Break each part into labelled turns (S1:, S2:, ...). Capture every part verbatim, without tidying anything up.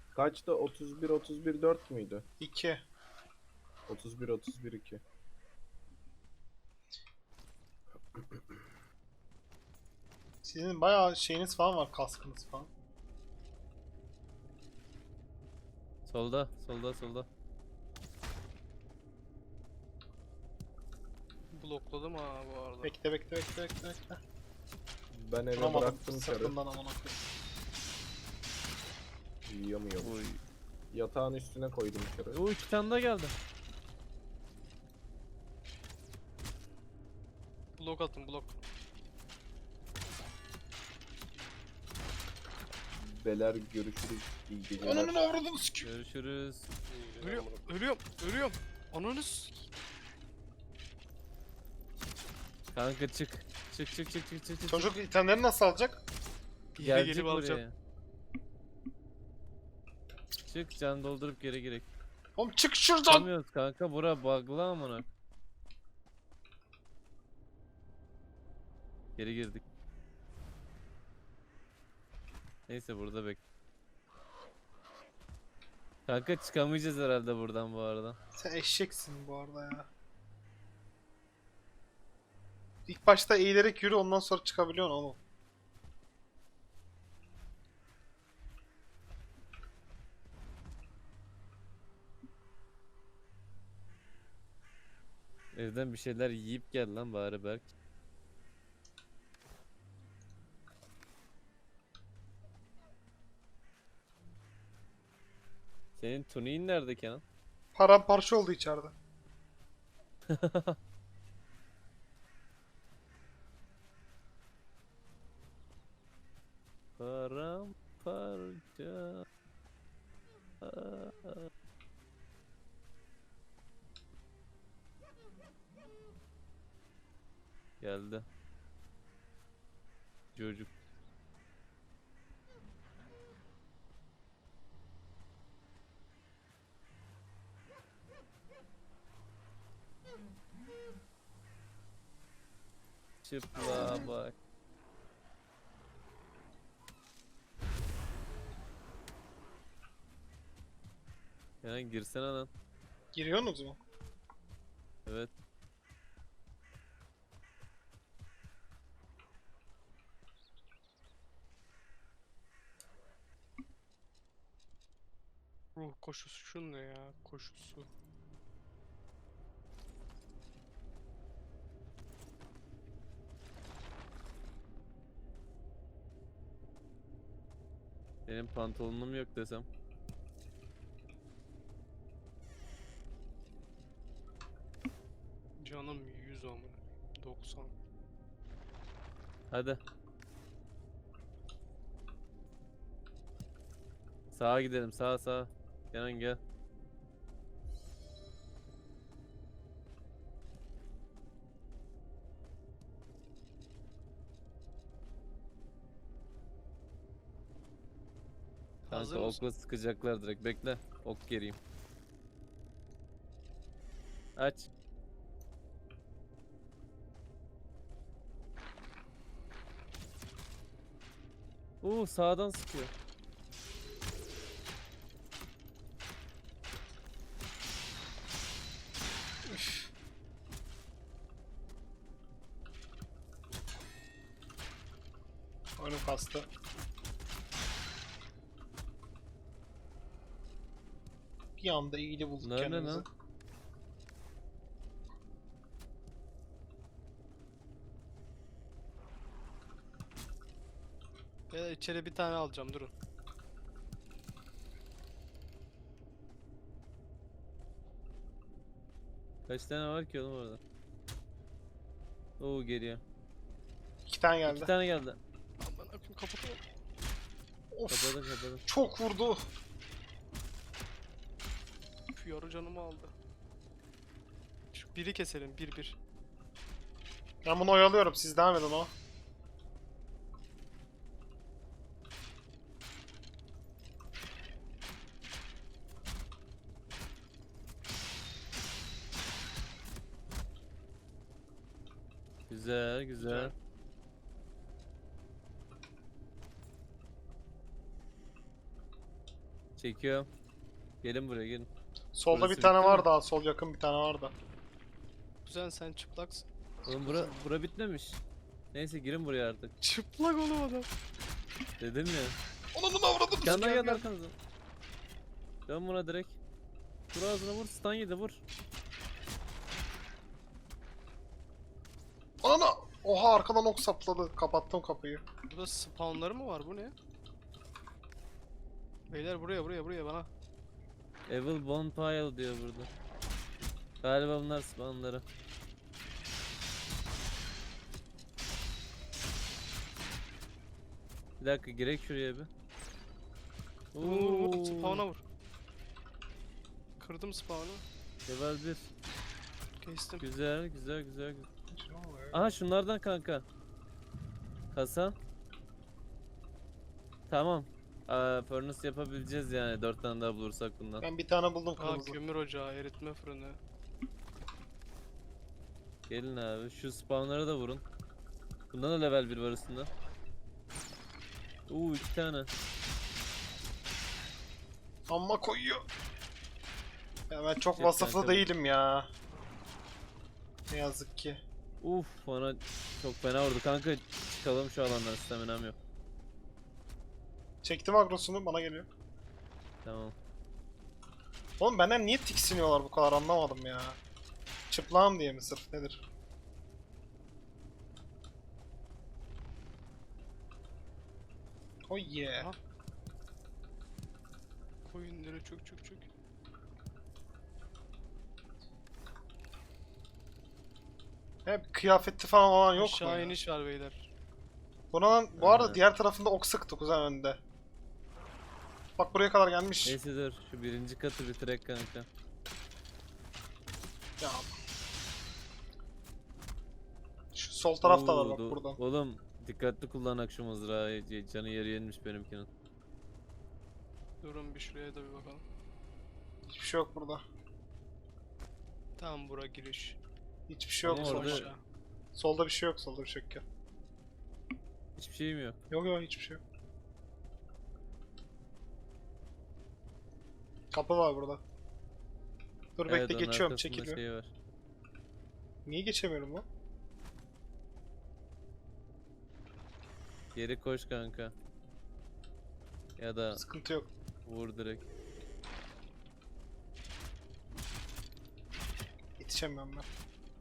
S1: Kaçta? otuz bir otuz bir dört müydü?
S2: iki.
S1: otuz bir otuz bir iki.
S2: Sizin bayağı şeyiniz falan var, kaskınız falan.
S3: Solda, solda, solda.
S4: Blokladım ha bu arada.
S2: Bekle bekle bekle bekle bekle.
S1: Ben eve
S2: Vuramadım
S1: bıraktım çarı.
S2: sırtından amına koyayım.
S1: Yiyemiyorum.
S3: Oy.
S1: Yatağın üstüne koydum çarı.
S3: O iki tane daha geldi.
S4: Blok atın blok.
S1: Beler görüşürüz. İyi geceler.
S2: Ananın avradını sikiyor.
S3: Görüşürüz.
S4: Ölüyorum, ölüyorum, ölüyorum. Ananı s-
S3: Kanka çık. Çık çık çık çık çık çık.
S2: Çocuk itemleri nasıl alacak?
S4: Geri
S3: Gelecek
S4: gelip alacağım.
S3: buraya. Çık can doldurup geri girek.
S2: Oğlum çık şuradan.
S3: Çıkamıyoruz kanka, bura bug'lı amına. Geri girdik. Neyse burada bek. Kanka çıkamayacağız herhalde buradan bu arada.
S2: Sen eşeksin bu arada ya. İlk başta eğilerek yürü, ondan sonra çıkabiliyorsun oğlum.
S3: Evden bir şeyler yiyip gel lan bari Berk. Senin tuniğin nerede Kenan?
S2: Paramparça oldu içeride.
S3: Paramparça. Geldi. Çocuk. Çıpla bak. Yani girsene lan.
S2: Giriyorsunuz mu?
S3: Evet.
S4: Ruh koşusu şu ne ya? Koşusu.
S3: Benim pantolonum yok desem.
S4: Canım yüz amına. doksan.
S3: Hadi. Sağa gidelim, sağa sağa. Kenan gel.
S4: Hazır
S3: Kanka
S4: mısın?
S3: okla sıkacaklar direkt. Bekle. Ok geriyim. Aç. Oo sağdan sıkıyor.
S2: Oyunum kastı. Bir anda iyili bulduk
S3: Nerede
S2: kendimizi.
S3: lan?
S4: Ben içeri bir tane alacağım durun.
S3: Kaç tane var ki oğlum orada? Oo geriye.
S2: İki tane geldi.
S3: İki tane geldi.
S4: Aman akım kapatalım.
S2: Of.
S3: Kapadım kapadım.
S2: Çok vurdu.
S4: Şu yarı canımı aldı. Şu biri keselim bir bir.
S2: Ben bunu oyalıyorum, siz devam edin o.
S3: Güzel güzel.
S4: Güzel.
S3: Çekiyorum. Gelin buraya gelin.
S2: Solda
S3: Burası
S2: bir tane
S3: bitti
S2: var
S3: mi?
S2: daha. Sol yakın bir tane var da.
S4: Kuzen sen çıplaksın.
S3: Oğlum bura, bura bitmemiş. Neyse girin buraya artık.
S4: Çıplak oğlum adam.
S3: Dedim ya.
S2: Onun avradını
S3: Yandan
S2: gel
S3: geldi
S2: gel.
S3: arkanıza. Dön buna direkt. Vur ağzına vur. Stun yedi vur.
S2: Anana! Oha arkadan ok sapladı. Kapattım kapıyı.
S4: Burada spawnları mı var? Bu ne? Beyler buraya buraya buraya bana.
S3: Evil Bonfire diyor burada. Galiba bunlar spawnları. Bir dakika girek şuraya bir.
S4: Vur vur vur.
S3: Oo,
S4: Spawn'a vur. Kırdım spawn'ı.
S3: Level bir.
S4: Kestim.
S3: Güzel güzel güzel. güzel. Aha şunlardan kanka. Kasa. Tamam. Aa, furnace yapabileceğiz yani dört tane daha bulursak bundan.
S2: Ben bir tane buldum
S4: Aa
S2: kırmızı.
S4: kömür ocağı, eritme fırını.
S3: Gelin abi şu spawnlara da vurun. Bundan da level bir var üstünde. Uuu iki tane.
S2: Amma koyuyor. Ya ben çok
S3: Jet
S2: vasıflı
S3: kanka.
S2: değilim ya. Ne yazık ki.
S3: Uf bana çok fena vurdu kanka, çıkalım şu alandan, staminam yok.
S2: Çektim agrosunu bana geliyor.
S3: Tamam.
S2: Oğlum benden niye tiksiniyorlar bu kadar anlamadım ya. Çıplağım diye mi sırf nedir? Oh yeah.
S4: Aha. Koyunları çök çök çök.
S2: Hep kıyafeti falan olan yok mu
S4: Aşağı
S2: ya?
S4: iniş var beyler.
S2: Buna lan, bu arada
S3: Aha.
S2: diğer tarafında ok sıktı kuzen önde. Bak buraya kadar gelmiş.
S3: Neyse dur şu birinci katı bitirek kanka.
S2: Ya. Şu sol tarafta var
S3: Oo,
S2: bak
S3: do-
S2: buradan.
S3: Oğlum dikkatli kullanak şu mızrağı, c- canı yarı yenmiş benimkinin.
S4: Durun bir şuraya da bir bakalım.
S2: Hiçbir şey yok burada.
S4: Tamam bura giriş.
S2: Hiçbir şey yok
S3: Ama
S2: solda.
S3: orada-
S4: Aşağı.
S2: Solda bir şey yok, solda bir şey yok. Gel.
S3: Hiçbir şeyim yok.
S2: Yok yok hiçbir şey yok. Kapı var burada. Dur
S3: Evet,
S2: bekle
S3: onun
S2: geçiyorum,
S3: arkasında
S2: çekiliyor.
S3: şey var.
S2: Niye geçemiyorum lan?
S3: Geri koş kanka. Ya da
S2: Sıkıntı yok.
S3: vur direkt.
S2: Yetişemiyorum ben.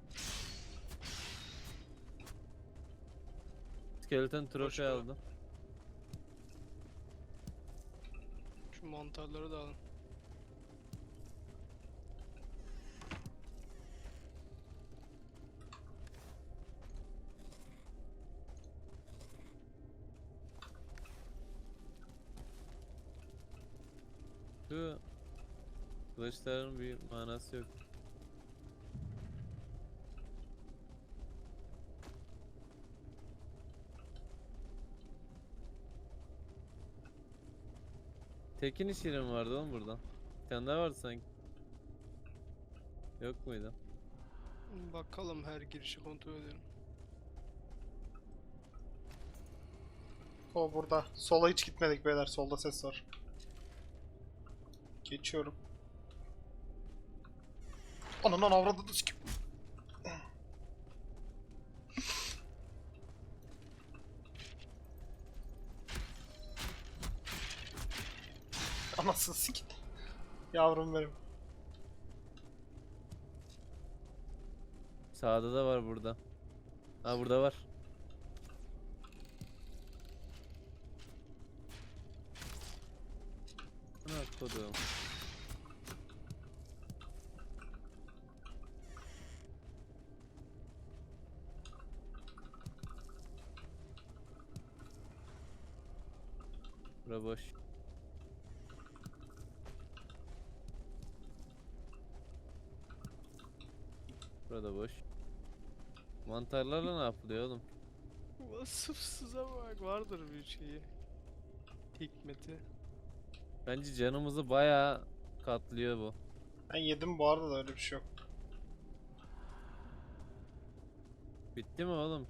S3: Skeleton
S4: Koş
S3: trofe
S4: bana.
S3: aldım.
S4: Şu mantarları da alın.
S3: Şu kılıçların bir manası yok. Tekin iş yeri mi vardı oğlum buradan? Bir tane daha vardı sanki. Yok muydu?
S4: Bakalım her girişi kontrol edelim.
S2: O burada. Sola hiç gitmedik beyler. Solda ses var. Geçiyorum. Ananı avradını sikim. Anasını sikim. Yavrum benim.
S3: Sağda da var burada. Ha burada var. Ana kodum. Bura boş. Burada boş. Mantarlarla ne yapılıyor oğlum?
S4: Vasıfsıza bak, vardır bir şeyi. Hikmeti.
S3: Bence canımızı bayağı katlıyor bu.
S2: Ben yedim bu arada da öyle bir şey yok.
S3: Bitti mi oğlum?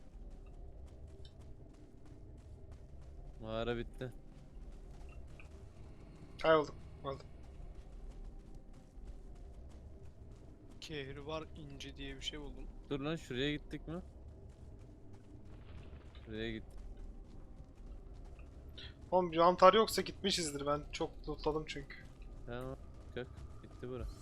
S3: Mağara bitti.
S2: Kaybolduk. Öldüm.
S4: Kehribar inci diye bir şey buldum.
S3: Dur lan, şuraya gittik mi? Şuraya gittik.
S2: Oğlum bir mantar yoksa gitmişizdir. Ben çok lootladım çünkü.
S3: Tamam. Gök. Bitti bura.